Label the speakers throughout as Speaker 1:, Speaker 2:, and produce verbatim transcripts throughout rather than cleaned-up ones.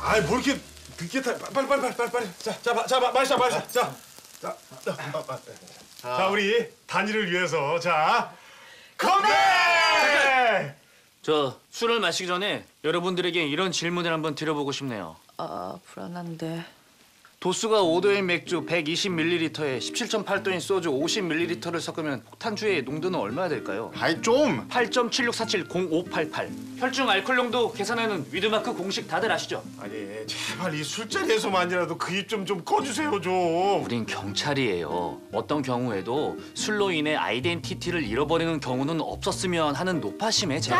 Speaker 1: 아이 뭐 이렇게 늦게 타? 빨리 빨리 빨리 빨리 빨리. 자, 자, 자, 마시자, 마시자. 자, 자, 자, 자, 우리 단일을 위해서 자 건배!
Speaker 2: 저 술을 마시기 전에 여러분들에게 이런 질문을 한번 드려보고 싶네요.
Speaker 3: 아, 불안한데.
Speaker 2: 도수가 오 도인 맥주 백이십 밀리리터에 십칠 점 팔 도인 소주 오십 밀리리터를 섞으면 폭탄주의 농도는 얼마나 될까요?
Speaker 4: 아이 좀.
Speaker 2: 팔 점 칠육사칠 공오팔팔. 혈중 알코올 농도 계산하는 위드마크 공식 다들 아시죠?
Speaker 1: 아니 제발 이 술자리에서만이라도 그 입 좀 좀 꺼주세요 좀.
Speaker 2: 우린 경찰이에요. 어떤 경우에도 술로 인해 아이덴티티를 잃어버리는 경우는 없었으면 하는 노파심에 제가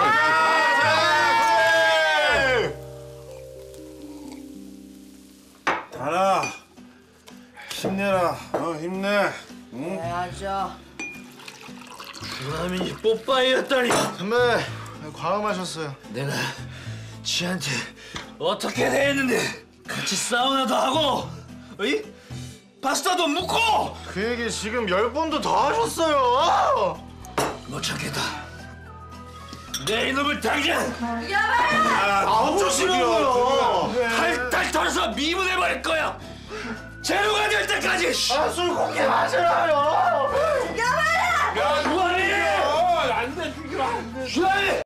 Speaker 2: 이렇게...
Speaker 1: 달아, 힘내라. 어, 힘내. 응?
Speaker 3: 해야죠.
Speaker 2: 주라민이 뽀빠이였다니.
Speaker 4: 선배, 과음하셨어요.
Speaker 2: 내가 지한테 어떻게 대했는데 같이 사우나도 하고 어이? 파스타도 묻고.
Speaker 4: 그 얘기 지금 열 번도 더 하셨어요.
Speaker 2: 못 참겠다. 내 이놈을 당장
Speaker 4: 아우 조심하고요.
Speaker 2: 탈탈 털어서 미문해버릴 거야. 제로가 될 때까지.
Speaker 4: 아, 술 곱게 마시라요.
Speaker 2: 야, 그만해! 안 돼, 죽이면 안 돼.